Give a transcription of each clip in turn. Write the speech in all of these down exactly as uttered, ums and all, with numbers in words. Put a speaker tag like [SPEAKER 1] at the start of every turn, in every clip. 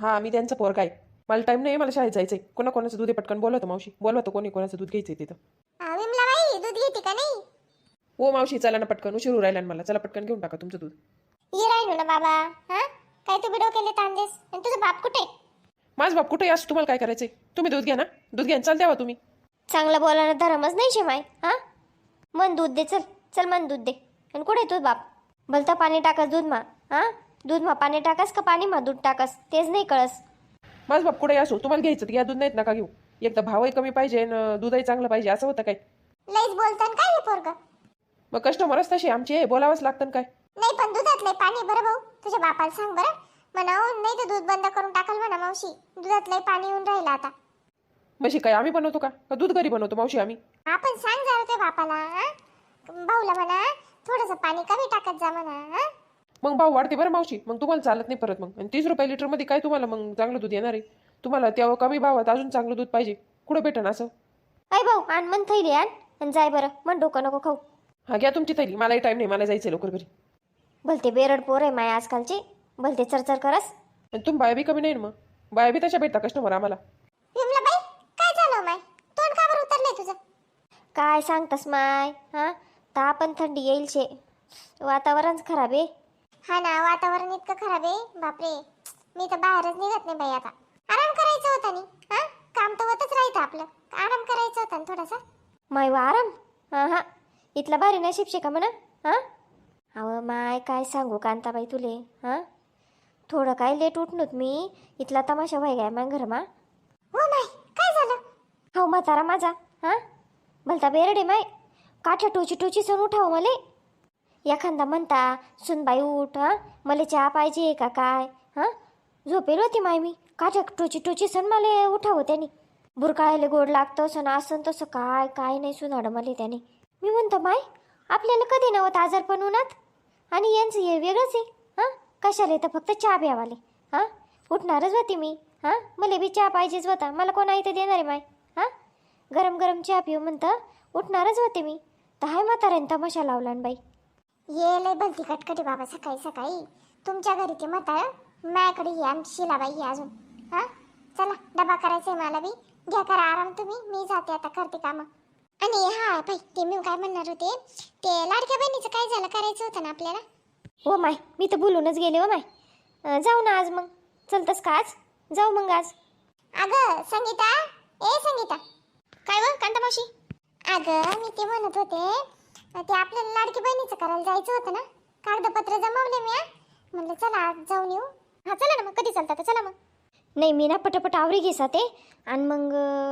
[SPEAKER 1] हा मी त्यांचं पोरगा आहे. मला टाईम नाही, मला शाळेत जायचंय. कोणा कोणाचं दूध आहे पटकन बोलवतो मावशी, बोलवतो कोणी कोणाचं दूध घ्यायचंय तिथं.
[SPEAKER 2] आ, विमलाबाई दूध घेते का नाही?
[SPEAKER 1] हो मावशी चला ना पटकन, उशीर राहिला ना मला. चला पटकन घेऊन टाका तुमचं दूध.
[SPEAKER 2] ये राहिलो ना बाबा. हा काय तू बिडो केले तांदेस? आणि तुझा बाप कुठे?
[SPEAKER 1] माझं बाप कुठे असं तुम्हाला काय करायचंय? तुम्ही दूध घ्या ना, दूध घ्या चाल द्यावा तुम्ही.
[SPEAKER 2] चांगलं बोलायला धरमच नाही शेमाय. हा मन दूध दे, चल चल मन दूध दे. आणि कुठे तुझ बाप? भलतं पाणी टाकस दूध मा. हा दूध मा पाणी टाकस का पाणी मा दूध टाकस तेच नाही कळस.
[SPEAKER 1] माझं बाप कुठे असो, तुम्हाला घ्यायचं तर घ्या, दूध नाहीत नका घेऊ. एकदा भावही कमी पाहिजे आणि दूधही चांगलं पाहिजे, असं होतं काय?
[SPEAKER 2] लईच बोलतान काय हे पोरग?
[SPEAKER 1] मग कस्टमरच तसे आमचे, बोलावंच लागतं काय?
[SPEAKER 2] नाही पण दुधातलं पाणी बरं भाऊ, तुझ्या बापाला सांग बरं म्हणावं, नाही तर दूध बंद करून टाकाल म्हणा मावशी. दुधातलं पाणी येऊन राहिलं आता.
[SPEAKER 1] म्हशी काय आम्ही बनवतो का? का दूध घरी बनवतो मावशी आम्ही?
[SPEAKER 2] आपण सांग जरा त्या बापाला. हा भाऊला म्हणा थोडंसं पाणी कमी टाकत जा म्हणा. हा
[SPEAKER 1] मग भाव वाढते बरं मावशी, मग तुम्हाला चालत नाही परत. मग आणि तीस रुपये लिटरमध्ये काय तुम्हाला मग चांगलं दूध येणार आहे? तुम्हाला तेव्हा कमी भावात अजून चांगलं दूध पाहिजे, कुठं भेटन असं?
[SPEAKER 2] अय भाऊ आण मन थैली आण आणि जाय बरं, मन डोकं नको खाऊ.
[SPEAKER 1] हा घ्या तुमची थैली, मलाही टाईम नाही, मला जायचं लवकर घरी.
[SPEAKER 2] भलते बेरड पोर आहे माय आजकालचे, भलते चरचर करस.
[SPEAKER 1] आणि तुम्ही बाया बी कमी नाही ना, मग बाया बी तशा भेटता कस्टमर आम्हाला.
[SPEAKER 2] विमलाबाई काय झालं माय? तोंड का बरं उतरलंय तुझं? काय सांगतस माय? हा ताप पण थंडी येईल शे, वातावरणच खराब आहे. हा ना वातावरण इतकं खराब आहे बापरे. मी तर बाहेरच निघत नाही बाई आता. आराम करायचं होता नी. हा काम तर होतच राहतं आपलं, आराम करायचं होता ना थोडासा. माय वा आराम? हा हा इथला भारी नशीब शे का म्हणा. हा अहो माय काय सांगू कांताबाई तुले. हा थोडं काय लेट उठणूत मी, इथला तमाशा व्हाय गाय मग घर मा. हो माय काय झालं? हो म्हातारा माझा. हा भलता बेरडे माय, काठ्या टोची टोची सण उठाव मले. एखादा म्हणता सुनबाई उठ, हा मला चहा पाहिजे का काय. हा झोपेल होती माय मी, काठ्या टोची टोची सण मला उठावं त्याने. बुरकाळायला गोड लागतं सण असं तसं काय काय नाही सुनाडं मला त्याने. मी म्हणतो माय आपल्याला कधी नव्हतं आजारपण उन्हात, आणि यांचं हे वेगळंच आहे. हां कशाला येतं फक्त चहा प्यावाले. हां उठणारच होती मी. हां मला बी चहा पाहिजेच होता, मला कोण आहे तर देणार आहे माय. हां गरम गरम चहा पिऊ म्हणतं, उठणारच होते मी. तर हाय म्हाताऱ्याने तमाशा लावला बाई. ये लय भलती कटकटी बाबा सकाळी सकाळी. तुमच्या घरी ते म्हातारं, माझ्याकडे ही आमची शिलाबाई आहे अजून. हां चला डबा करायचा आहे मला बी, घ्या करा आराम तुम्ही, मी जाते आता करते कामं. आणि हा बाई ते मी काय म्हणणार होते, ते लाडक्या बहिणीचं काय झालं, करायचं होतं ना आपल्याला. हो माय मी तर बोलूनच गेले हो माय. अं, जाऊ ना आज मग, चलतस का आज? जाऊ मग आज. अगं संगीता, ए संगीता. काय व कांता मावशी? अगं मी ते म्हणत होते, ते आपल्याला लाडकी बहिणीचं करायला जायचं होतं ना, कागदपत्र जमवले मी. म्हणलं चला आज जाऊन येऊ. हा चला ना मग, कधी चालता तर चला मग. नाही मी ना पटापट आवरी घेसा ते, आणि मग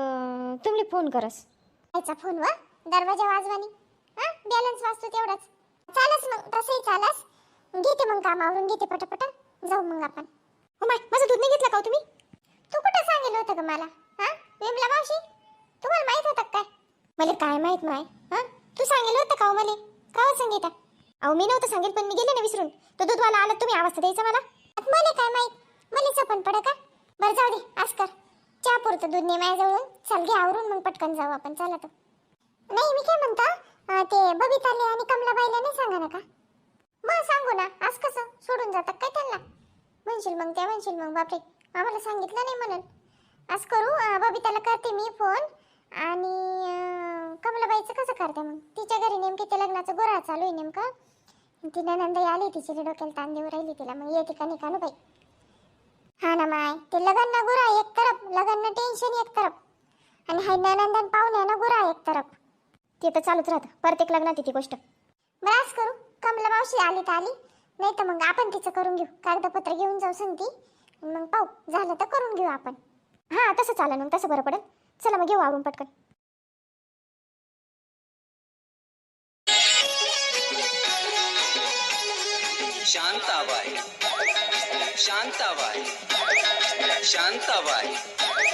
[SPEAKER 2] तुम्ही फोन करस. आईचा फोन वा दरवाजा वाजवानी. हा बॅलन्स वाजतो तेवढाच. चालस मग तसंही चालस. घेते मग काम आवरून घेते पटापट, जाऊ मग आपण. हो माय माझं दूध नाही घेतलं का तुम्ही? तू कुठं सांगितलं होतं का मला? हा विमला मावशी तुम्हाला माहित होतं काय? मला काय माहित माय. हा तू सांगितलं होतं का मला? का हो संगीता? अहो मी नव्हतं सांगेल, पण मी गेले ना विसरून. तो दूधवाला आला तुम्ही आवाज द्यायचा मला. मला काय माहित, मला चपण पड का. बरं जाऊ दे आज कर, चहा पुरतं दूध ने माझ्याजवळून. चल घे आवरून मग पटकन जाऊ आपण. चला तर. नाही मी काय म्हणता, ते बबिताले आणि कमलाबाईला नाही सांगा ना का? मग सांगू ना, आज कसं सोडून जातात काय त्यांना? म्हणशील मग त्या म्हणशील मग बापरे आम्हाला सांगितलं नाही म्हणून. आज करू, बबिताला करते मी फोन. आणि कमलाबाईचं कसं करते मग, तिच्या घरी नेमकी ते लग्नाचं गोरा चालू आहे नेमकं. ती नंदाई आली, तिची डोक्याला ताण देऊ राहिली तिला. मग येते का निकानू बाई. हा ना माय, ते लग्न गोरा एक तरफ, लग्न टेन्शन एक तरफ, आणि हाय नंदन पाहुणे ना गोरा एक तरफ. ते तर चालूच राहतं प्रत्येक लग्नात ती गोष्ट. बरं आज करू, कमला मावशी आली तर आली, नाही तर मग आपण तिचं करून घेऊ. कागदपत्र घेऊन जाऊ सांगती, मग पाहू झालं तर करून घेऊ आपण. हां तसं चालेल मग, तसं बरं पडेल. चला मग घेऊ आवरून पटकन.
[SPEAKER 3] शांताबाई शांताबाई शांताबाई